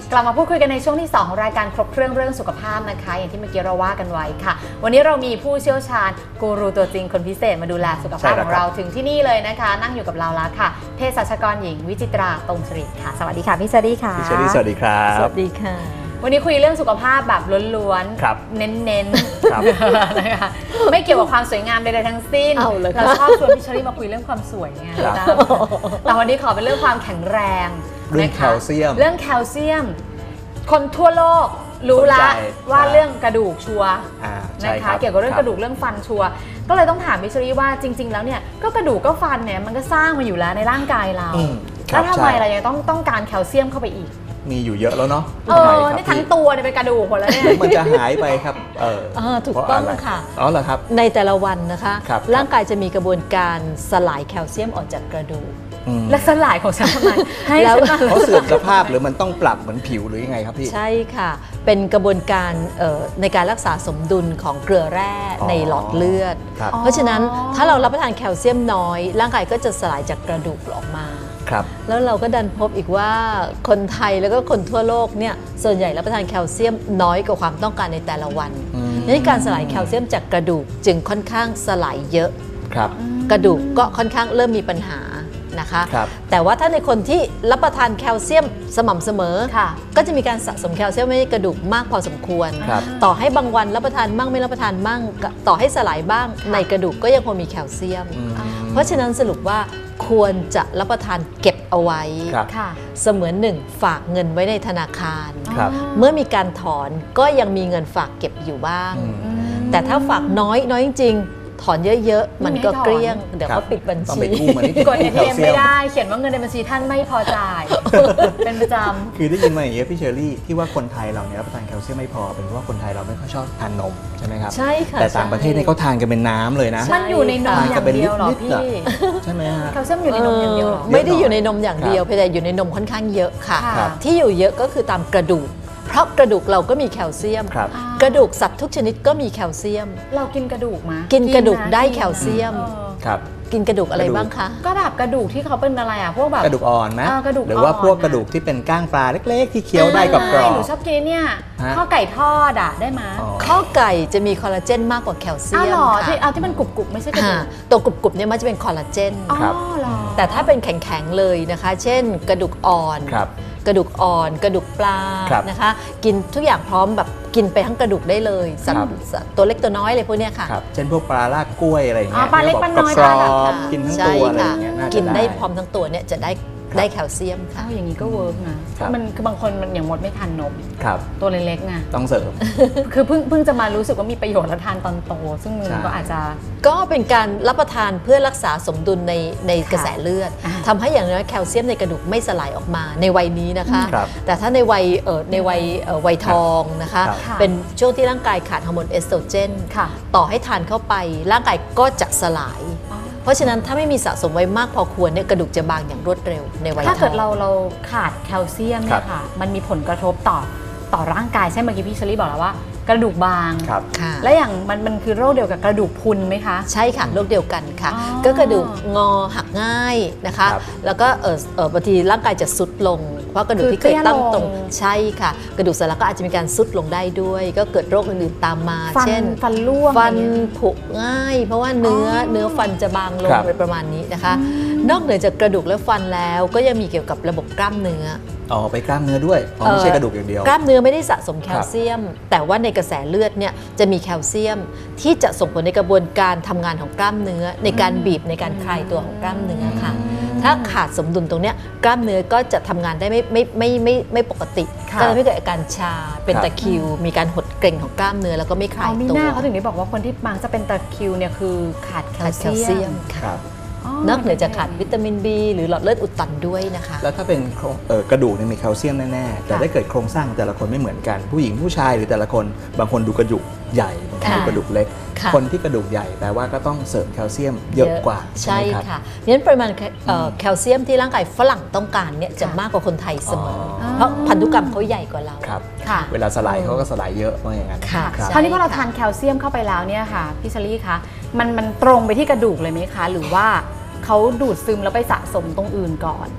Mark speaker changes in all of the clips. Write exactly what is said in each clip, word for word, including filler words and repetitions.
Speaker 1: กลับมาพูดคุยกันในช่วงที่สองของรายการครบเครื่องเรื่องสุขภาพนะคะอย่างที่เมื่อกี้เราว่ากันไว้ค่ะวันนี้เรามีผู้เชี่ยวชาญกูรูตัวจริงคนพิเศษมาดูแลสุขภาพของเราถึงที่นี่เลยนะคะนั่งอยู่กับเราแล้วค่ะเภสัชกรหญิงวิจิตราตรงสิริค่ะสวัสดีค่ะพี่เชอรี่ค่ะ
Speaker 2: พี่เชอรี่สวัสดีครับ
Speaker 3: สวัสดีค่ะ
Speaker 1: วันนี้คุยเรื่องสุขภาพแบบล้วนๆเน้นๆนะคะไม่เกี่ยวกับความสวยงามใดๆทั้งสิ้นเราชอบชวนพี่เชอรี่มาคุยเรื่องความสวยไงแต่วันนี้ขอเป็นเรื่องความแข็งแรง
Speaker 2: เรื่องแคลเซียม
Speaker 1: เรื่องแคลเซียมคนทั่วโลกรู้ละว่าเรื่องกระดูกชัวนะคะเกี่ยวกับเรื่องกระดูกเรื่องฟันชัวก็เลยต้องถามพี่เชอรี่ว่าจริงๆแล้วเนี่ยก็กระดูกก็ฟันเนี่ยมันก็สร้างมาอยู่แล้วในร่างกายเราแล้วทำไมเรายังต้องต้องการแคลเซียมเข้าไปอีก
Speaker 2: มีอยู่เยอะแล้วเนาะ
Speaker 1: เออนี่ทั้งตัวเนี่ยเป็นกระดูกหมดแล้วเนี่ย
Speaker 2: มันจะหายไปครับเอ
Speaker 3: อถูกต้องค่ะ
Speaker 2: อ๋อเหรอครับ
Speaker 3: ในแต่ละวันนะคะร่างกายจะมีกระบวนการสลายแคลเซียมออกจากกระดูก
Speaker 1: และสลายของฉันทำไมให้
Speaker 2: แล้วเขาเสื่อมสภาพหรือมันต้องปรับเหมือนผิวหรือยังไงครับพี่
Speaker 3: ใช่ค่ะเป็นกระบวนการในการรักษาสมดุลของเกลือแร่ในหลอดเลือดเพราะฉะนั้นถ้าเรารับประทานแคลเซียมน้อยร่างกายก็จะสลายจากกระดูกออกมาแล้วเราก็ดันพบอีกว่าคนไทยแล้วก็คนทั่วโลกเนี่ยส่วนใหญ่รับประทานแคลเซียมน้อยกว่าความต้องการในแต่ละวันดังนั้นการสลายแคลเซียมจากกระดูกจึงค่อนข้างสลายเยอะกระดูกก็ค่อนข้างเริ่มมีปัญหานะคะแต่ว่าถ้าในคนที่รับประทานแคลเซียมสม่ำเสมอก็จะมีการสะสมแคลเซียมในกระดูกมากพอสมควรต่อให้บางวันรับประทานมั่งไม่รับประทานมั่งต่อให้สลายบ้างในกระดูกก็ยังคงมีแคลเซียมเพราะฉะนั้นสรุปว่าควรจะรับประทานเก็บเอาไว้เสมือนหนึ่งฝากเงินไว้ในธนาคารเมื่อมีการถอนก็ยังมีเงินฝากเก็บอยู่บ้างแต่ถ้าฝากน้อยน้อยจริงถอนเยอะๆมันก็เกลี้ยงเดี๋ยวเขาปิดบัญชี
Speaker 1: กด เอ ที เอ็ม ไม่ได้เขียนว่าเงินในบัญชีท่านไม่พอจ่ายเป็นประจำ
Speaker 2: คือได้ยินมาอย่างเงี้ยพี่เชอรี่ที่ว่าคนไทยเราเนี่ยรับประทานแคลเซียมไม่พอเป็นเพราะว่าคนไทยเราไม่ค่อยชอบทานนมใช่ไหมครับ
Speaker 3: ใช่ค่ะ
Speaker 2: แต่ต่างประเทศเนี่ยเขาทานกันเป็นน้ำเลยนะ
Speaker 1: มันอยู่ในนมอย่างเดียวหรอพี่
Speaker 2: ใช่ไหมฮะ
Speaker 1: แคลเซียมอยู่ในนมอย่างเดียวหรอ
Speaker 3: ไม่ได้อยู่ในนมอย่างเดียวเพียงแต่อยู่ในนมค่อนข้างเยอะค่ะที่อยู่เยอะก็คือตามกระดูกเพราะกระดูกเราก็มีแคลเซียมกระดูกสัตว์ทุกชนิดก็มีแคลเซียม
Speaker 1: เรากินกระดูกมา
Speaker 3: กินกระดูกได้แคลเซียม
Speaker 2: ครับ
Speaker 3: กินกระดูกอะไรบ้างคะ
Speaker 1: ก็แบบกระดูกที่เขาเป็นอะไรอ่ะพวกแบบ
Speaker 2: กระดูกอ่อนไหมหรือว่าพวกกระดูกที่เป็นก้างปลาเล็กๆที่เคี้ยวได้กับกรอบ
Speaker 1: หนูชอบกินเนี่ยข้าวไก่ทอดอ่ะได้ไหม
Speaker 3: ข้าวไก่จะมีคอลลาเจนมากกว่าแคลเซียม
Speaker 1: ค่ะที่เอาที่มันกรุบๆไม่ใช่กระดูก
Speaker 3: ตัวกรุบๆเนี่ยมันจะเป็นคอลลาเจนแต่ถ้าเป็นแข็งๆเลยนะคะเช่นกระดูกอ่อนกระดูกอ่อนกระดูกปลานะคะกินทุกอย่างพร้อมแบบกินไปทั้งกระดูกได้เลยสัตว์ตัวเล็กตัวน้อยเลยพวกนี้ค่ะ
Speaker 2: เช่นพวกปลาลากกล้วยอะไรอย่างเงี้ย
Speaker 1: ปลาเล็กปลาน้อย
Speaker 2: กรอบกินทั้งตัวอะไรอย่างเงี้ย
Speaker 3: กินได้พร้อมทั้งตัวเนี่ยจะได้ได้แคลเซียมค่ะ
Speaker 1: อย่างนี้ก็เวิร์กนะมันคือบางคนมันอย่างมดไม่ทานนมตัวเล็กๆไง
Speaker 2: ต้องเสริม
Speaker 1: คือเพิ่งเพิ่งจะมารู้สึกว่ามีประโยชน์แล้วทานตอนโตซึ่งมันก็อาจจะ
Speaker 3: ก็เป็นการรับประทานเพื่อรักษาสมดุลในในกระแสเลือดทำให้อย่างน้อยแคลเซียมในกระดูกไม่สลายออกมาในวัยนี้นะคะแต่ถ้าในวัยเอ่อในวัยเอ่อวัยทองนะคะเป็นช่วงที่ร่างกายขาดฮอร์โมนเอสโตรเจนต่อให้ทานเข้าไปร่างกายก็จะสลายเพราะฉะนั้นถ้าไม่มีสะสมไว้มากพอควรเนี่ยกระดูกจะบางอย่างรวดเร็วในวัยทอง
Speaker 1: ถ้าเกิดเราเราขาดแคลเซียมเนี่ยค่ะมันมีผลกระทบต่อต่อร่างกายใช่เมื่อกี้พี่เชอรี่บอกแล้วว่ากระดูกบางและอย่างมันมันคือโรคเดียวกับกระดูกพรุนไหมคะ
Speaker 3: ใช่ค่ะโรคเดียวกันค่ะก็กระดูกงอหักง่ายนะคะแล้วก็เออเออบางทีร่างกายจะซุดลงเพราะกระดูกที่เคยตั้งตรงใช่ค่ะกระดูกสันหลังก็อาจจะมีการซุดลงได้ด้วยก็เกิดโรคอื่นๆตามมาเช่น
Speaker 1: ฟันร่วง
Speaker 3: ฟันผุง่ายเพราะว่าเนื้อเนื้อฟันจะบางลงอะไรประมาณนี้นะคะนอกเหนือจากกระดูกและฟันแล้วก็ยังมีเกี่ยวกับระบบกล้ามเนื้อ
Speaker 2: อ๋อไปกล้ามเนื้อด้วยไม่ใช่กระดูกอย่างเดียว
Speaker 3: กล้ามเนื้อไม่ได้สะสมแคลเซียมแต่ว่าในกระแสเลือดเนี่ยจะมีแคลเซียมที่จะส่งผลในกระบวนการทำงานของกล้ามเนื้อในการบีบในการคลายตัวของกล้ามเนื้อค่ะถ้าขาดสมดุลตรงนี้กล้ามเนื้อก็จะทำงานได้ไม่ไม่ไม่ไม่ไม่ปกติก็จะไม่เกิดอาการชาเป็นตะคริวมีการหดเกร็งของกล้ามเนื้อแล้วก็ไม่คลายตัว
Speaker 1: มีหน้าเขาถึงได้บอกว่าคนที่บางจะเป็นตะคริวเนี่ยคือขาดแคลเซียม
Speaker 3: ค่ะนอกเหนือจากขาดวิตามิน บี หรือหลอดเลือดอุดตันด้วยนะคะ
Speaker 2: แล้วถ้าเป็นกระดูกเนี่ยมีแคลเซียมแน่ๆแต่ได้เกิดโครงสร้างแต่ละคนไม่เหมือนกันผู้หญิงผู้ชายหรือแต่ละคนบางคนดูกระดูกใหญ่บางคนดูกระดูกเล็กคนที่กระดูกใหญ่แปลว่าก็ต้องเสริมแคลเซียมเยอะกว่า
Speaker 3: ใช่ค่ะงั้นปริมาณแคลเซียมที่ร่างกายฝรั่งต้องการเนี่ยจะมากกว่าคนไทยเสมอเพราะพันธุกรรมเขาใหญ่กว่าเรา
Speaker 2: เวลาสลายเขาก็สลายเยอะว่าอย่างนั้น
Speaker 1: คราวนี้พอเราทานแคลเซียมเข้าไปแล้วเนี่ยค่ะพี่เชอรี่คะมันมันตรงไปที่กระดูกเลยไหมคะหรือว่าเขาดูดซึมแล้วไปสะสมตรงอื่นก่อน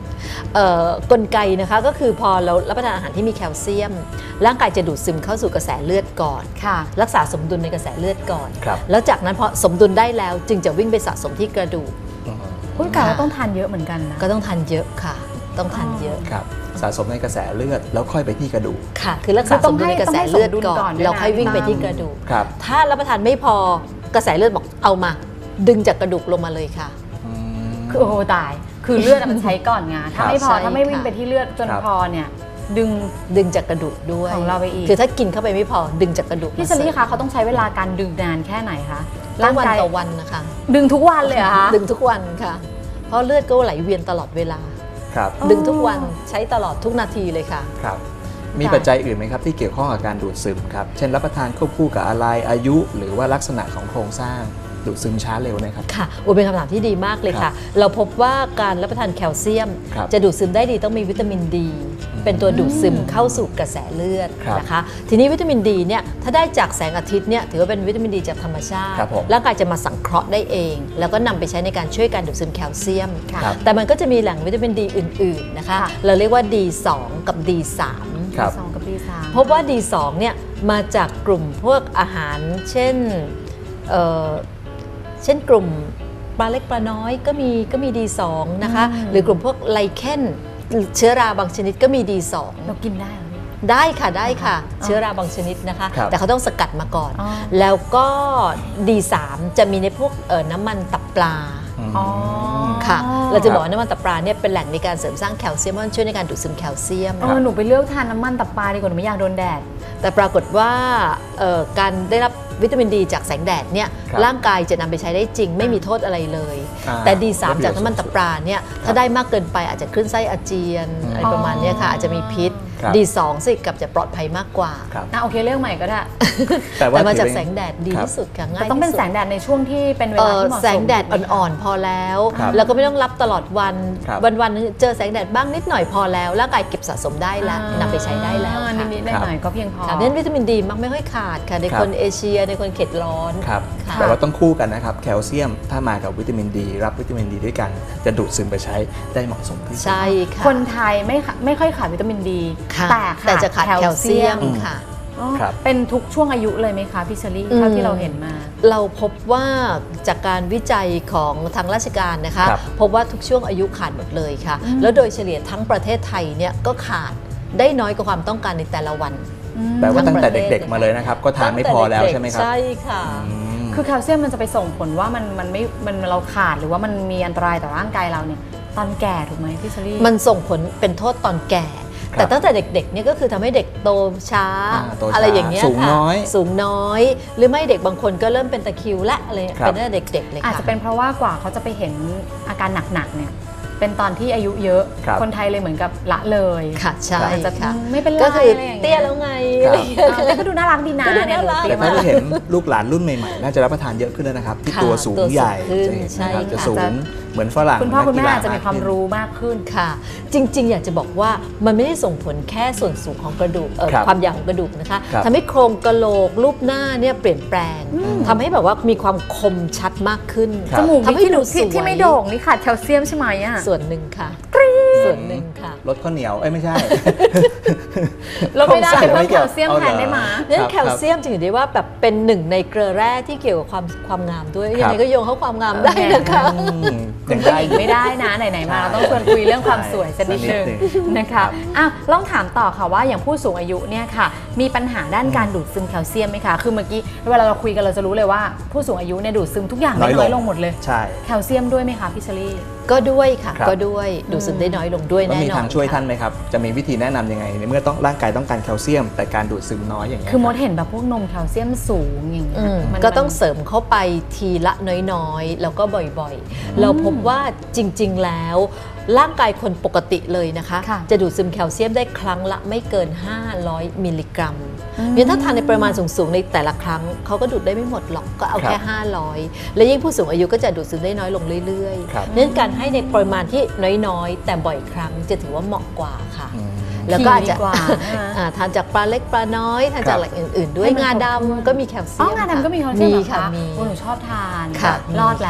Speaker 3: เอ่อกลไกนะคะก็คือพอเรารับประทานอาหารที่มีแคลเซียมร่างกายจะดูดซึมเข้าสู่กระแสเลือดก่อน
Speaker 1: ค่ะ
Speaker 3: รักษาสมดุลในกระแสเลือดก่อน
Speaker 2: ครับ
Speaker 3: แล้วจากนั้นพอสมดุลได้แล้วจึงจะวิ่งไปสะสมที่กระดูก
Speaker 2: อืม
Speaker 1: คุณกาเราต้องทานเยอะเหมือนกันนะ
Speaker 3: ก็ต้องทานเยอะค่ะ ต้องทานเยอะ
Speaker 2: ครับสะสมในกระแสเลือดแล้วค่อยไปที่กระดูก
Speaker 3: ค่ะ คือรักษาสมดุลในกระแสเลือดก่อนแล้วค่อยวิ่งไปที่กระดูก
Speaker 2: ครับ
Speaker 3: ถ้ารับประทานไม่พอกระแสเลือดบอกเอามา ดึงจากกระดูกลงมาเลยค่ะ
Speaker 2: อืม
Speaker 1: คือโอ้โหตาย คือเลือดอะมันใช้ก่อนไงถ้าไม่พอ
Speaker 3: ใช่
Speaker 1: ถ้าไม่วิ่ง
Speaker 3: ค่ะ
Speaker 1: ไปที่เลือดจน
Speaker 2: ครับ
Speaker 1: พอเนี่ย ดึง
Speaker 3: ดึงจากกระดูกด้วย
Speaker 1: ของเราไปอีก
Speaker 3: คือถ้ากินเข้าไปไม่พอดึงจากกระดูก
Speaker 1: พี่เชอรี่คะเขาต้องใช้เวลาการดึงนานแค่ไหนคะ
Speaker 3: ร่างวัน
Speaker 1: กาย
Speaker 3: ต่อวันนะคะ
Speaker 1: ดึงทุกวันเลยเหรอคะ
Speaker 3: ดึงทุกวันค่ะ เพราะเลือดก็ไหลเวียนตลอดเวลา
Speaker 2: ครับ
Speaker 1: อ๋อ
Speaker 3: ดึงทุกวันใช้ตลอดทุกนาทีเลยค่ะ
Speaker 2: ครับ มีปัจจัยอื่นไหมครับที่เกี่ยวข้องกับการดูดซึมครับ เช่นรับประทานควบคู่กับอะไรอายุ หรือว่าลักษณะของโครงสร้างดูดซึมช้าเร็วนะครับ
Speaker 3: ค่ะโอ้เป็นคำถามที่ดีมากเลย
Speaker 2: ครั
Speaker 3: ค่ะ
Speaker 2: บ
Speaker 3: เราพบว่าการรับประทานแคลเซียม
Speaker 2: ครับ
Speaker 3: จะดูดซึมได้ดีต้องมีวิตามินดี เป็นตัวดูดซึมเข้าสู่กระแสเลือด
Speaker 2: ครับ
Speaker 3: นะคะ ทีนี้วิตามินดีเนี่ยถ้าได้จากแสงอาทิตย์เนี่ยถือว่าเป็นวิตามินดีจากธรรมชาติ
Speaker 2: ครับผม
Speaker 3: ร่างกายจะมาสังเคราะห์ได้เอง แล้วก็นำไปใช้ในการช่วยการดูดซึมแคลเซียม
Speaker 2: ครับ
Speaker 3: แต่มันก็จะมีแหล่งวิตามินดีอื่นๆนะคะ
Speaker 1: ค่ะ
Speaker 3: เราเรียกว่า ดี สอง กับ ดี สาม
Speaker 2: ครับ
Speaker 1: สองกับปีสาม
Speaker 3: พบว่า ดี สอง เนี่ยมาจากกลุ่มพวกอาหารเช่นเอ่อเช่นกลุ่มปลาเล็กปลาน้อยก็มีก็มี ดี สอง นะคะ
Speaker 1: อืม
Speaker 3: หรือกลุ่มพวกไลเคนเชื้อราบางชนิดก็มี ดี สอง
Speaker 1: เรากินได้เหรอพี่
Speaker 3: ได้ค่ะได้ค่ะ
Speaker 1: อ๋อ
Speaker 3: เชื้อราบางชนิดนะคะ
Speaker 2: ครับ
Speaker 3: แต่เขาต้องสกัดมาก่อน
Speaker 1: อ๋อ
Speaker 3: แล้วก็ ดี สาม จะมีในพวกเอ่อน้ำมันตับปลา
Speaker 2: ม
Speaker 1: อ๋อ
Speaker 3: ค่ะ เราจะบอกว่าน้ำมันตับปลาเนี่ยเป็นแหล่งในการเสริมสร้างแคลเซียมเพราะมันช่วยในการดูดซึมแคลเซียม
Speaker 1: เออหนูไปเลือกทานน้ำมันตับปลาดีกว่าหนูไม่อยากโดนแดด
Speaker 3: แต่ปรากฏว่าเอ่อการได้รับวิตามินดีจากแสงแดดเนี่ย
Speaker 2: ครับ
Speaker 3: ร่างกายจะนำไปใช้ได้จริง ไม่มีโทษอะไรเลย
Speaker 2: อ่า
Speaker 3: แต่ ดี สาม
Speaker 2: ได้ประโยชน์
Speaker 3: จากน้ำมันตับปลาเนี่ยถ้าได้มากเกินไปอาจจะคลื่นไส้อาเจียน
Speaker 2: อืม
Speaker 3: อะไรประมาณเนี้ยค่ะอาจจะมีพิษ
Speaker 2: ครับ
Speaker 3: ดี สอง สิกับจะปลอดภัยมากกว่า
Speaker 2: ครับ
Speaker 1: อ่ะโอเคเลือกใหม่ก็ได้
Speaker 2: แต่ว่า
Speaker 3: แต่มาจาก
Speaker 2: ถือ
Speaker 3: แสงแดดดี
Speaker 2: ครับ
Speaker 3: ที่สุดค่ะง่า
Speaker 1: แต่
Speaker 3: ย
Speaker 1: ต้องเป็น
Speaker 3: ที่
Speaker 1: แส
Speaker 3: สุด
Speaker 1: งแดดในช่วงที่เป็นเว
Speaker 3: เอ่
Speaker 1: ลา
Speaker 3: อ
Speaker 1: ที่เหมาะสม
Speaker 3: แสงแดดอ่อนๆพอแล้ว
Speaker 2: ครับ
Speaker 3: แล้วก็ไม่ต้องรับตลอดวัน
Speaker 2: ครับ
Speaker 3: วันๆนึงเจอแสงแดดบ้างนิดหน่อยพอแล้วร่างกายเก็บสะสมได้แล้วนำไปใช้ได้แล้ว
Speaker 1: อ่า
Speaker 3: ค่ะ
Speaker 1: นิดๆหน่อยๆก็เพียงพอ
Speaker 3: ค่ะเน้นวิตามินดีมักไม่ค่อยขาดค่ะใน
Speaker 2: ครับ
Speaker 3: คนเอเชียในคนเขตร้อน
Speaker 2: ครับ
Speaker 3: ค่ะ
Speaker 2: แต่ว่าต้องคู่กันนะครับ แคลเซียมถ้ามากับวิตามินดี รับวิตามินดีด้วยกัน จะดูดซึมไปใช้ได้เหมาะสมที่สุด
Speaker 3: ใช่ค่ะ
Speaker 1: คนไทยไม่ค่ะไม่ค่อยขาดวิตามินดี
Speaker 3: ค่ะ
Speaker 1: แต่
Speaker 3: แต่จะขาดแคลเซียม
Speaker 2: อืม
Speaker 3: ค่ะ
Speaker 1: อ๋อ
Speaker 2: ครับ
Speaker 1: เป็นทุกช่วงอายุเลยไหมคะพี่เชอรี่
Speaker 3: อืม
Speaker 1: เท่าที่เราเห็นมา
Speaker 3: เราพบว่าจากการวิจัยของทางราชการนะคะ
Speaker 2: ครับ
Speaker 3: พบว่าทุกช่วงอายุขาดหมดเลยค่ะ
Speaker 1: อืม
Speaker 3: แล้วโดยเฉลี่ยทั้งประเทศไทยเนี่ยก็ขาดได้น้อยกว่าความต้องการในแต่ละวัน
Speaker 2: แปลว่าตั้งแต่
Speaker 3: ทั้งประเทศ
Speaker 2: เด็กๆมาเลยนะครับ ก็ทานไม่พอแล้วใช่ไหมครับ
Speaker 3: ใช่ค่ะ
Speaker 2: อืม
Speaker 1: คือแคลเซียมมันจะไปส่งผลว่ามันมันไม่มันเราขาดหรือว่ามันมีอันตรายต่อร่างกายเราเนี่ยตอนแก่ถูกไหมพี่เชอรี่
Speaker 3: มันส่งผลเป็นโทษตอนแก่
Speaker 2: ครับ
Speaker 3: แต่ตั้งแต่เด็กๆเนี่ยก็คือทำให้เด็กโตช้า
Speaker 2: อ่าโตช้า
Speaker 3: อะไรอย่างเงี้ย
Speaker 2: สูง
Speaker 3: ค่ะ
Speaker 2: น้อย
Speaker 3: สูงน้อย หรือไม่เด็กบางคนก็เริ่มเป็นตะคริวละอะไร
Speaker 2: ครับ
Speaker 3: เป็นตั้งแต่เด็กๆเลยค่ะ
Speaker 1: อาจจะเป็นเพราะว่ากว่าเขาจะไปเห็นอาการหนักๆเนี่ยเป็นตอนที่อายุเยอะ
Speaker 2: ครับ
Speaker 1: คนไทยเลยเหมือนกับละเลย
Speaker 3: ค่ะใช่
Speaker 1: อาจจะ
Speaker 3: ค่ะ
Speaker 1: ไม่เป็นไร
Speaker 3: ก็คือ
Speaker 1: อะไรอย่างเงี้ย
Speaker 3: เตี้ยแล้วไง
Speaker 2: ครับ
Speaker 3: อะไรอย่างเงี้ย
Speaker 1: อ่าแต่ก็ดูน่ารักดีนะ
Speaker 3: ก็ดูน่ารัก
Speaker 1: เย
Speaker 2: แต่
Speaker 1: หนู
Speaker 2: ถ้า
Speaker 1: เตี้ย
Speaker 2: ได้
Speaker 1: มาก
Speaker 2: เห็นลูกหลานรุ่นใหม่ๆ น่าจะรับประทานเยอะขึ้นแล้วนะครับ ที่
Speaker 3: ค่ะ
Speaker 2: ตัวสูง
Speaker 3: ตัวสูง
Speaker 2: ใหญ่
Speaker 3: ขึ้น
Speaker 2: จะเห็น
Speaker 3: ใช่
Speaker 2: นะครับจะ
Speaker 3: ค่ะ
Speaker 2: สูงเหมือนฝรั่ง
Speaker 1: คุณพ่อคุณแม่
Speaker 2: นักกีฬ
Speaker 1: อาจจะมีความรู้มากขึ้น
Speaker 3: ค่ะ จริง ๆ อยากจะบอกว่ามันไม่ได้ส่งผลแค่ส่วนสูงของกระดูกเอ่อ
Speaker 2: ครับ
Speaker 3: ความยาวของกระดูกนะคะ
Speaker 2: ครับ
Speaker 3: ทำให้โครงกระโหลกรูปหน้าเนี่ยเปลี่ยนแปลงทำให้แบบว่ามีความคมชัดมากขึ้น
Speaker 2: ครั
Speaker 1: จ
Speaker 2: บ
Speaker 1: มูก
Speaker 3: ทำให้
Speaker 1: ที่
Speaker 3: ดู
Speaker 1: ที่
Speaker 3: สวย
Speaker 1: ที่ไม่โด่งนี่ขาดแคลเซียมใช่ไหมอ่ะ
Speaker 3: ส่วนหนึ่งค่ะส่วนหนึ่งค่ะ
Speaker 2: รสข้าวเหนียว เอ้ยไม่ใช่
Speaker 1: เราไม่ได้
Speaker 2: ผมสั่
Speaker 1: เป็น
Speaker 2: ง
Speaker 1: เพิ่ม
Speaker 2: ไม่
Speaker 1: แค
Speaker 2: เกี่ยว
Speaker 1: ลเซียม
Speaker 2: เอา
Speaker 1: แทน
Speaker 2: เหรอ
Speaker 1: ได้ไหม
Speaker 3: เรื่อง
Speaker 2: ครับ
Speaker 3: แคลเซียมจึงถือได้ว่าแบบเป็นหนึ่งในเกลือแร่ที่เกี่ยวกับความความงามด้วย
Speaker 2: ครับ
Speaker 3: ยังไงก็โยงเข้าความงามได้นะคะ
Speaker 2: อืม
Speaker 1: คุ
Speaker 2: ยั
Speaker 1: ณ
Speaker 2: ง
Speaker 1: ผู้
Speaker 2: ได้
Speaker 1: หญิง
Speaker 2: อยู่
Speaker 1: ไม่ได้นะไหนๆมา
Speaker 2: ใช่
Speaker 1: เราต้องชวนคุยเรื่องความสวยสักนิด
Speaker 2: สักนิ
Speaker 1: นึ
Speaker 2: ด
Speaker 1: ง
Speaker 2: หนึ่ง
Speaker 1: นะ
Speaker 2: ครั
Speaker 1: คะ
Speaker 2: บ
Speaker 1: อ้าวลองถามต่อค่ะว่าอย่างผู้สูงอายุเนี่ยค่ะ มีปัญหาด้านการดูดซึมแคลเซียมไหมคะคือเมื่อกี้เวลาเราคุยกันเราจะรู้เลยว่าผู้สูงอายุเนี่ยดูดซึมทุกอย่างได้น้อยลงหมดเลย
Speaker 2: ใช่
Speaker 1: แคลเซียมด้วยไหมคะพี่เชอรี่
Speaker 3: ก็ด้วยค่ะ
Speaker 2: ครับ
Speaker 3: ก็ด้วยดูดซึมได้น้อยลงด้วย
Speaker 2: แล้ว
Speaker 3: แน่นอน
Speaker 2: มีทางช่วย
Speaker 3: ค่ะ
Speaker 2: ท่านไหมครับ จะมีวิธีแนะนำยังไงในเมื่อต้องร่างกายต้องการแคลเซียม แต่การดูดซึมน้อยอย่างเงี้ย
Speaker 1: คือมด
Speaker 2: รับ
Speaker 1: เห็นแบบพวกนมแคลเซียมสูงอย่างเงี้
Speaker 3: อื
Speaker 1: ย
Speaker 3: ม
Speaker 1: มัน
Speaker 3: ก็ต้องเสริมเข้าไปทีละน้อยๆ แล้วก็บ่อยๆ เราพบว่าจริงๆแล้ว ร่างกายคนปกติเลยนะคะ
Speaker 1: ค่ะ
Speaker 3: จะดูดซึมแคลเซียมได้ครั้งละไม่เกิน ห้าร้อย มิลลิกรัม
Speaker 1: อืม
Speaker 3: เพราะฉะนั้นถ้าทานในปริมาณสูงๆ ในแต่ละครั้งเขาก็ดูดได้ไม่หมดหรอกก็เอาแค่
Speaker 2: ครับ
Speaker 3: ห้าร้อย และยิ่งผู้สูงอายุก็จะดูดซึมได้น้อยลงเรื่อย
Speaker 2: ครับ
Speaker 3: ๆเนื่องการให้ในปริมาณที่น้อยๆ แต่บ่อยครั้งจะถือว่าเหมาะกว่าค่ะ
Speaker 2: อืม
Speaker 3: แล้วก็อาจจะ
Speaker 1: ดีกว่าใช่ไหม
Speaker 3: อ่าทานจากปลาเล็กปลาน้อยทานจาก
Speaker 2: ครับ
Speaker 3: แหล่งอื่น ๆ ด้วย
Speaker 1: ให้มัน
Speaker 3: งา
Speaker 1: ครบถ้วน
Speaker 3: ดำก็มีแคลเซี
Speaker 1: อ๋
Speaker 3: ย
Speaker 1: อ
Speaker 3: ม
Speaker 1: งาดำก็มีแคลเซียมเหรอ
Speaker 3: ค่ะ
Speaker 1: คะ
Speaker 3: มี
Speaker 1: โอ้หนูชอบทาน
Speaker 3: ค่ะ
Speaker 1: รอดแล้ว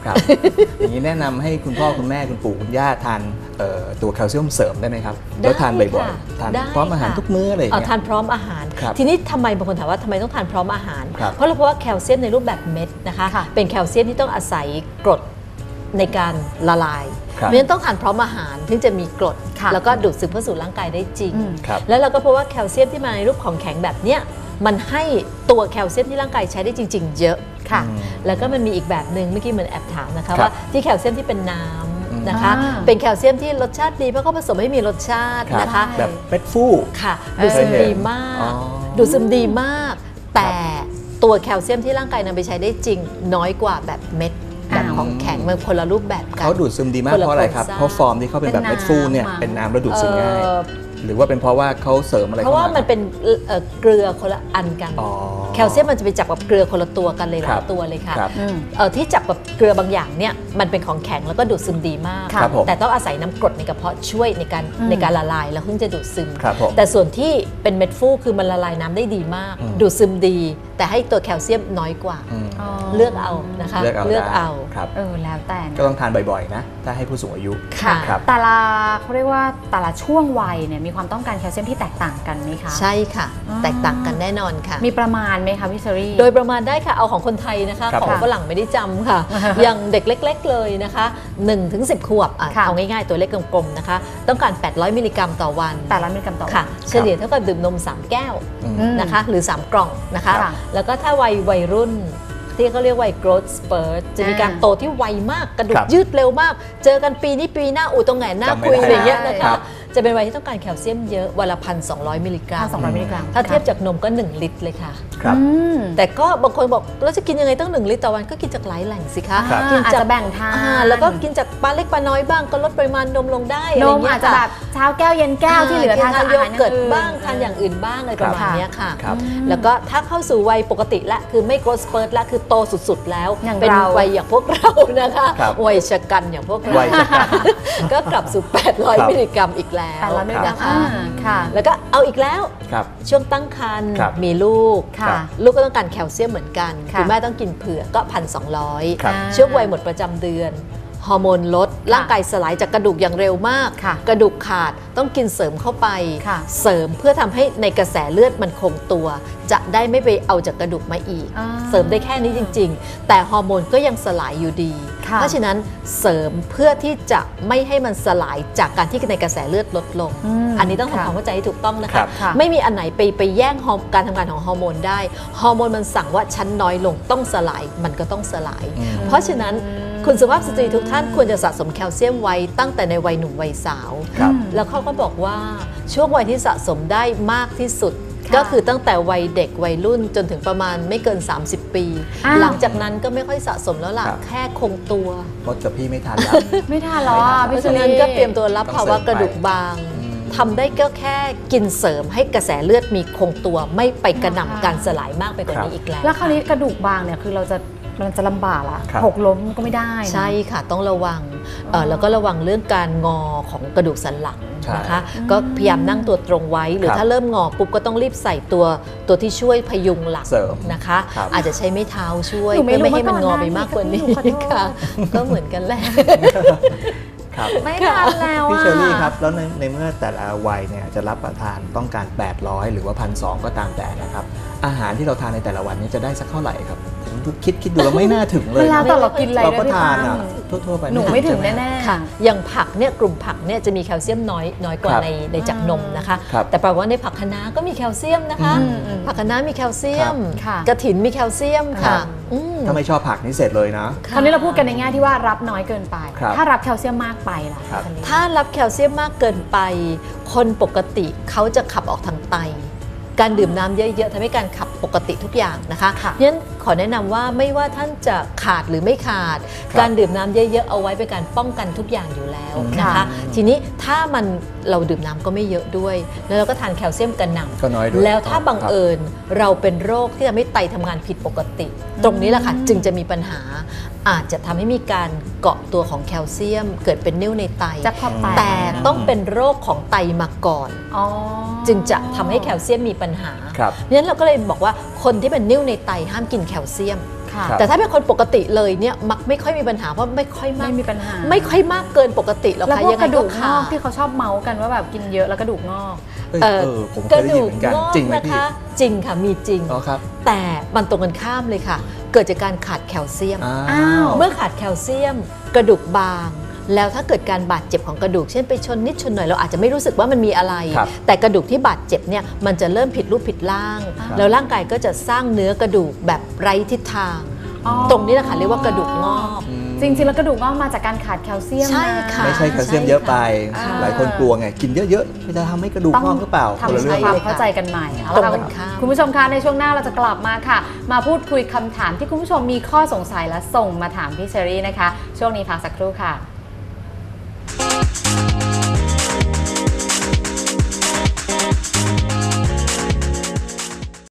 Speaker 2: ครับ อย่างนี้แนะนำให้คุณพ่อคุณแม่คุณปู่คุณย่าทานเอ่อตัวแคลเซียมเสริมได้ไหมครับแล้วทานบ่อยๆทานพร้อมอาหารทุกมื้ออะไรอย่าง
Speaker 3: เอา
Speaker 2: เงี้ย
Speaker 3: ทานพร้อมอาหาร
Speaker 2: ครับ
Speaker 3: ทีนี้ทำไมบางคนถามว่าทำไมต้องทานพร้อมอาหาร
Speaker 2: ครับ
Speaker 3: เพราะเราพบว่าแคลเซียมในรูปแบบเม็ดนะคะ
Speaker 1: ค่ะ
Speaker 3: เป็นแคลเซียมที่ต้องอาศัยกรดในการละลาย
Speaker 2: ครับ
Speaker 3: เพราะฉะนั้นต้องทานพร้อมอาหารถึงจะมีกรด
Speaker 1: ค่ะ
Speaker 3: แล้วก็ดูดซึมเข้าสู่ร่างกายได้จริง
Speaker 1: อืม
Speaker 2: ครับ
Speaker 3: แล้วเราก็พบว่าแคลเซียมที่มาในรูปของแข็งแบบเนี้ยมันให้ตัวแคลเซียมที่ร่างกายใช้ได้จริง ๆ เยอะ
Speaker 1: ค่ะ
Speaker 2: อืม
Speaker 3: แล้วก็มันมีอีกแบบหนึ่งเมื่อกี้เหมือนแอบถามนะคะ
Speaker 2: ครับ
Speaker 3: ว่าที่แคลเซียมที่เป็นน้
Speaker 2: อืม
Speaker 3: ำนะคะ
Speaker 1: อ่า
Speaker 3: เป็นแคลเซียมที่รสชาติดีเพราะเขาผสมให้มีรสชาติ
Speaker 2: ครับ
Speaker 3: นะคะ
Speaker 2: แบบเม็ดฟู่
Speaker 3: ค่ะดูดซึมดีมาก
Speaker 2: อ๋อ
Speaker 3: ดูดซึมดีมาก แต่ตัวแคลเซียมที่ร่างกายนำไปใช้ได้จริงน้อยกว่าแบบเม็ดแบบ
Speaker 1: อ้าว
Speaker 3: ของแข็งมันคนละรูปแบบกัน
Speaker 2: เขาดูดซึมดีมาก
Speaker 3: คนละ
Speaker 2: เพราะอะไรครับ
Speaker 3: โครงสร้าง
Speaker 2: เพราะฟอร์มที่เขาเป็นแบบ
Speaker 1: เป็น
Speaker 2: เม็ดฟูเนี่ย
Speaker 1: น้ำ
Speaker 2: เป็นน้ำแล้วดูดซึมง่าย
Speaker 3: เอ่อ
Speaker 2: หรือว่าเป็นเพราะว่าเขาเสริมอะไร
Speaker 3: เพราะว่า
Speaker 2: ข้
Speaker 3: มันเป็นเอ่อเกลือคนละอันกัน
Speaker 2: อ๋อ
Speaker 3: แคลเซียมมันจะไปจับกับเกลือคนละตัวกันเลยห
Speaker 2: ครั
Speaker 3: ลาย
Speaker 2: บ
Speaker 3: ตัวเลยค่ะ
Speaker 2: ครับ
Speaker 1: อืม
Speaker 3: เอ่อที่จับกับเกลือบางอย่างเนี่ยมันเป็นของแข็งแล้วก็ดูดซึมดีมาก
Speaker 2: ครับผม
Speaker 3: แต่ต้องอาศัยน้ำกรดในกระเพาะช่วยในการ
Speaker 1: อืม
Speaker 3: ในการละลายแล้วถึงจะดูดซึม
Speaker 2: ครับผม
Speaker 3: แต่ส่วนที่เป็นเม็ดฟูคือมันละลายน้ำได้ดีมาก
Speaker 2: อืม
Speaker 3: ดูดซึมดี แต่ให้ตัวแคลเซียมน้อยกว่า
Speaker 2: อืม
Speaker 1: อ๋อ
Speaker 3: เลือกเอานะคะ
Speaker 2: เลือกเอา
Speaker 3: เลือก
Speaker 2: ได้
Speaker 3: เอา
Speaker 2: ครับ
Speaker 1: เออแล้วแต่นะ
Speaker 2: ก็ต้องทานบ่อยๆนะ ถ้าให้ผู้สูงอายุ
Speaker 3: ค่ะ
Speaker 2: ครับ
Speaker 1: แต่ละเขาเรียกว่าแต่ละช่วงวัยเนี่ยมีความต้องการแคลเซียมที่แตกต่างกันไหมคะ
Speaker 3: ใช่ค่ะ
Speaker 1: อ่า
Speaker 3: แตกต่างกันแน่นอนค่ะ
Speaker 1: มีประมาณไหมคะพี่เชอรี่
Speaker 3: โดยประมาณได้ค่ะเอาของคนไทยนะคะ
Speaker 2: ครับ
Speaker 3: ของ
Speaker 2: ผม
Speaker 3: ฝรั่งไม่ได้จำค่ะ อย่างเด็กเล็ก ๆ เลยนะคะหนึ่งถึงสิบขวบอ่ะ
Speaker 1: ค่ะ
Speaker 3: เอาง่ายๆตัวเล็กกลมๆนะคะ ต้องการแปดร้อยมิลลิกรัมต่อวัน
Speaker 1: แต่ละมิลลิกรัมต่อวัน
Speaker 3: ค่ะ เฉลี่ยเท่ากับดื่มนมสามแก้ว
Speaker 2: อืม
Speaker 1: อืม
Speaker 3: นะคะหรือสามกล่องนะคะ
Speaker 1: ค่ะ
Speaker 3: แล้วก็ถ้าวัยวัยรุ่นที่เขาเรียกวัย growth spurt จะมีการ
Speaker 1: อ่า
Speaker 3: โตที่ไวมากกระดู
Speaker 2: ครั
Speaker 3: ก
Speaker 2: บ
Speaker 3: ยืดเร็วมาก เจอกันปีนี้ปีหน้าอูตรงไหนหน้า
Speaker 2: จำไม่
Speaker 3: คุย
Speaker 2: ได้
Speaker 3: อะไรอย่างเงี้ยนะ
Speaker 2: ครั
Speaker 3: คะ
Speaker 2: บ
Speaker 3: จะเป็นวัยที่ต้องการแคลเซียมเยอะวันละพันสองร้อยมิลลิกรัม
Speaker 1: พันสองร้อยมิลลิกรัม
Speaker 3: ถ้าเทียบจากนมก็หนึ่งลิตรเลยค่ะ
Speaker 2: ครับ
Speaker 1: อืม
Speaker 3: แต่ก็บางคนบอกแล้วจะกินยังไงตั้งหนึ่งลิตรต่อวันก็กินจากหลายแหล่งสิคะ
Speaker 2: ครับ
Speaker 3: กิน
Speaker 1: อาจ
Speaker 3: จาก
Speaker 1: จะแบ่งทาน
Speaker 3: อ่าแล้วก็กินจากปลาเล็กปลาน้อยบ้างก็ลดปริมาณนมลงได้
Speaker 1: น
Speaker 3: ไร
Speaker 1: ม
Speaker 3: เงี้
Speaker 1: อาย จจะแบบเช้าแก้วเย็นแก้วที่เหลือทานจากอา
Speaker 3: โย
Speaker 1: หาร
Speaker 3: เกิร์ต
Speaker 1: อื่น
Speaker 3: บ้างทานอย่างอื่นบ้างอะไรประมาณเนี้ยค่ะ
Speaker 2: ครับ
Speaker 3: แล้วก็ถ้าเข้าสู่วัยปกติละคือไม่ growth spurt ละคือโตสุดๆแล้ว
Speaker 1: อย่าง
Speaker 3: เป็น
Speaker 1: เรา
Speaker 3: วัยอย่างพวกเรานะคะ
Speaker 2: ครับ
Speaker 3: วัยชะกันอย่างพวกเรา
Speaker 2: วัยชะกัน
Speaker 3: ก็กลับสู่ แปดร้อย
Speaker 2: ครับ
Speaker 3: มิลลิกรัมอีกแล้ว
Speaker 1: แต่ละมิลลิกรัม
Speaker 3: นะคะ
Speaker 1: อ่าค่ะ
Speaker 3: แล้วก็เอาอีกแล้ว
Speaker 2: ครับ
Speaker 3: ช่วงตั้งครรภ์
Speaker 2: ครับ
Speaker 3: มีลูก
Speaker 1: ค่ะ
Speaker 3: ลูกก็ต้องการแคลเซียมเหมือนกัน
Speaker 1: ค่ะ
Speaker 3: คุณแม่ต้องกินเผื่อก็พันสองร้อย
Speaker 2: ครับ
Speaker 3: ช่วงวัยหมดประจำเดือน ฮอร์โมนลดร่างกายสลายจากกระดูกอย่างเร็วมาก
Speaker 1: ค่ะ
Speaker 3: กระดูกขาดต้องกินเสริมเข้าไป
Speaker 1: ค่ะ
Speaker 3: เสริมเพื่อทำให้ในกระแสเลือดมันคงตัว จะได้ไม่ไปเอาจากกระดูกมาอีก
Speaker 1: อ่า
Speaker 3: เสริมได้แค่นี้จริง ๆ แต่ฮอร์โมนก็ยังสลายอยู่ดี
Speaker 1: ค่ะ
Speaker 3: เพราะฉะนั้นเสริมเพื่อที่จะไม่ให้มันสลายจากการที่ในกระแสเลือดลดลง
Speaker 1: อืม
Speaker 3: อันนี้ต้อง
Speaker 1: ค่ะ
Speaker 3: ทำความเข้าใจให้ถูกต้องนะ
Speaker 2: ครั
Speaker 3: คะ
Speaker 2: บ
Speaker 1: ค่ะ
Speaker 3: ไม่มีอันไหนไปไปแย่งฮอร์การทำงานของฮอร์โมนได้ ฮอร์โมนมันสั่งว่าชั้นน้อยลงต้องสลายมันก็ต้องสลาย
Speaker 2: อืม
Speaker 3: เพราะฉะนั้นคุณสุภาพสตรีทุกท่านควรจะสะสมแคลเซียมไว้ตั้งแต่ในวัยหนุ่มวัยสาว
Speaker 2: ครับ
Speaker 3: แล้วเขาก็บอกว่าช่วงวัยที่สะสมได้มากที่สุด
Speaker 1: ค่ะ
Speaker 3: ก็คือตั้งแต่วัยเด็กวัยรุ่นจนถึงประมาณไม่เกิน สามสิบ ปี
Speaker 1: อ้าว
Speaker 3: หลังจากนั้นก็ไม่ค่อยสะสมแล้วล่ะ
Speaker 2: ครับ
Speaker 3: แค่คงตัว
Speaker 2: มดกับพี่ไม่ทันแล้ว
Speaker 1: ไม่ทานหรอ
Speaker 2: ไม่ทาน
Speaker 3: เพราะฉะนั้นก็เตรียมตัวรับ
Speaker 2: ต้อง
Speaker 3: ภาวะ
Speaker 2: เสริมไป
Speaker 3: กระดูกบาง
Speaker 2: อืม
Speaker 3: ทำได้ก็แค่กินเสริมให้กระแสเลือดมีคงตัว ไม่ไปกระหน่ำการสลายมากไปกว่านี้อีกแล้ว
Speaker 1: แล้วคราวนี้กระดูกบางเนี่ยคือเราจะมันจะลำบากละ
Speaker 2: ครับ
Speaker 1: หกล้มก็ไม่ได้นะ
Speaker 3: ใช่ค่ะต้องระวังเอ่อแล้วก็ระวังเรื่องการงอของกระดูกสันหลัง
Speaker 2: ใช่
Speaker 3: นะคะก็พยายามนั่งตัวตรงไว้ หรือ
Speaker 2: ครับ
Speaker 3: ถ้าเริ่มงอปุ๊บก็ต้องรีบใส่ตัวตัวที่ช่วยพยุงหลัง
Speaker 2: เสริม
Speaker 3: นะคะ
Speaker 2: ครับ
Speaker 3: อาจจะใช้ไม้เท้าช่วย
Speaker 1: หนูไม่
Speaker 3: เพื่อไม่ให้
Speaker 1: รู้
Speaker 3: มัน
Speaker 1: มาก่
Speaker 3: ง
Speaker 1: อน
Speaker 3: อไปมากกว่านี้
Speaker 1: หนูขอโทษ
Speaker 3: ค่ะ ก็เหมือนกันแหละ
Speaker 2: ครับ
Speaker 1: ไม่ทานแล้ว
Speaker 2: พี่
Speaker 1: อะ
Speaker 2: เชอรี่ครับ แล้วในในเมื่อแต่ละวัยเนี่ยจะรับประทานต้องการ แปดร้อย หรือว่า หนึ่งพันสองร้อย ก็ตามแต่นะครับ อาหารที่เราทานในแต่ละวันนี้จะได้สักเท่าไหร่ครับคิดคิดดูแล้วไม่น่าถึงเลย
Speaker 1: เวลา
Speaker 2: นะ
Speaker 1: แต่เรากินอะไร
Speaker 2: เรา
Speaker 1: ด้
Speaker 2: ก็
Speaker 1: วยพี่
Speaker 2: ทาน
Speaker 1: ตั้
Speaker 2: อ่ะ
Speaker 1: ม
Speaker 2: ทั่วๆไป
Speaker 1: หนูไม่ถึง
Speaker 2: ใช่ห
Speaker 1: แน่ๆ
Speaker 3: ค่ะอย่างผักเนี่ยกลุ่มผักเนี่ยจะมีแคลเซียมน้อยน้อยกว่า
Speaker 2: ครับ
Speaker 3: ในในจากนมนะคะ
Speaker 2: ครับ
Speaker 3: แต่แปลว่าในผักคะน้าก็มีแคลเซียมนะคะ
Speaker 1: อืมอืม
Speaker 3: ผักคะน้ามีแคลเซียม
Speaker 1: ค่ะ
Speaker 3: กระถินมีแคลเซียม
Speaker 2: ครั
Speaker 3: ค่ะ
Speaker 2: บ
Speaker 3: อืม
Speaker 2: ถ้าไม่ชอบผักนี่เสร็จเลยนะ
Speaker 1: คราวนี้เราพูดกันในแง่ที่ว่ารับน้อยเกินไป
Speaker 2: ครับ
Speaker 1: ถ้ารับแคลเซียมมากไปล่ะ
Speaker 2: ครับ
Speaker 1: พี่เชอรี่
Speaker 3: ถ้ารับแคลเซียมมากเกินไป คนปกติเขาจะขับออกทางไต การดื่มน้ำเยอะๆทำให้การขับปกติทุกอย่างนะคะ
Speaker 1: ค่ะ
Speaker 3: เพราะฉะนั้นขอแนะนำว่าไม่ว่าท่านจะขาดหรือไม่ขาด
Speaker 2: ครับ
Speaker 3: การดื่มน้ำเยอะๆเอาไว้เป็นการป้องกันทุกอย่างอยู่แล้วนะ
Speaker 1: ค่ะ
Speaker 3: คะ ทีนี้ถ้ามันเราดื่มน้ำก็ไม่เยอะด้วย แล้วเราก็ทานแคลเซียมกระหน่ำ
Speaker 2: ก็น้อยด้วย
Speaker 3: แล้วถ้าบัง
Speaker 2: ครับ
Speaker 3: เอิญเราเป็นโรคที่ทำให้ไตทำงานผิดปกติ ตรงนี้แหละค่ะจึงจะมีปัญหา อาจจะทำให้มีการเกาะตัวของแคลเซียม เกิดเป็นนิ่วในไต
Speaker 1: จะพอแตก
Speaker 3: แต่ต้องเป็นโรคของไตมาก่อน
Speaker 1: อ๋อ
Speaker 3: จึงจะทำให้แคลเซียมมีปัญหา
Speaker 2: ครับ
Speaker 3: เพราะฉะนั้นเราก็เลยบอกว่าคนที่เป็นนิ่วในไตห้ามกินแคลเซียม
Speaker 1: ค่ะ
Speaker 3: แต่ถ้าเป็นคนปกติเลยเนี่ยมักไม่ค่อยมีปัญหาเพราะไม่ค่อยมาก
Speaker 1: ไม่มีปัญหา
Speaker 3: ไม่ค่อยมากเกินปกติหรอก
Speaker 1: แล้ว
Speaker 3: ค่ะ
Speaker 1: พวก
Speaker 3: ยัง
Speaker 1: ก
Speaker 3: ไง
Speaker 1: ระดู
Speaker 3: ก็
Speaker 1: กง
Speaker 3: ขา
Speaker 1: อก
Speaker 3: ด
Speaker 1: ที่เขาชอบเมาส์กันว่าแบบกินเยอะแล้วกระดูกงอก
Speaker 2: เออ
Speaker 3: เอ่อ
Speaker 2: เออผมเค
Speaker 3: ก
Speaker 2: ย
Speaker 3: ระ
Speaker 2: ได้ยิน
Speaker 3: ดู
Speaker 2: เห
Speaker 3: ก
Speaker 2: มือนกัน
Speaker 3: งอก
Speaker 2: จริงไหม
Speaker 3: นะ
Speaker 2: พี่
Speaker 3: คะจริงค่ะมีจริง
Speaker 2: อ๋อครับ
Speaker 3: แต่มันตรงกันข้ามเลยค่ะ เกิดจากการขาดแคลเซียม
Speaker 1: อ้าว
Speaker 3: เมื่อขาดแคลเซียมกระดูกบาง แล้วถ้าเกิดการบาดเจ็บของกระดูกเช่นไปชนนิดชนหน่อยเราอาจจะไม่รู้สึกว่ามันมีอะไร
Speaker 2: ครับ
Speaker 3: แต่กระดูกที่บาดเจ็บเนี่ยมันจะเริ่มผิดรูปผิดร่าง
Speaker 2: ครับ
Speaker 3: แล้วร่างกายก็จะสร้างเนื้อกระดูกแบบไร้ทิศทาง
Speaker 1: อ๋อ
Speaker 3: ตรงนี้แหละค่ะเรียกว่ากระดูกงอก
Speaker 2: อืม
Speaker 1: จริงๆแล้วกระดูกงอกมาจากการขาดแคลเซียม
Speaker 3: ใช่
Speaker 1: นะ
Speaker 3: ค่ะ
Speaker 2: ไม่ใช่แคลเซียมเยอะไป
Speaker 1: ใช่ค่ะ
Speaker 2: หลายคนกลัวไง กินเยอะๆมันจะทำให้กระดูกงอกหรือเปล่าคนละ
Speaker 1: ทำ
Speaker 2: เรื่
Speaker 1: ให้
Speaker 2: อง
Speaker 1: ความเข้าใจกันใหม่เอา
Speaker 3: ตรง
Speaker 1: ละ
Speaker 3: กัน
Speaker 1: ค่ะ
Speaker 3: ข้าม
Speaker 1: คุณผู้ชมคะในช่วงหน้าเราจะกลับมาค่ะ มาพูดคุยคำถามที่คุณผู้ชมมีข้อสงสัยและส่งมาถามพี่เชอรี่นะคะ ช่วงนี้พักสักครู่ค่ะ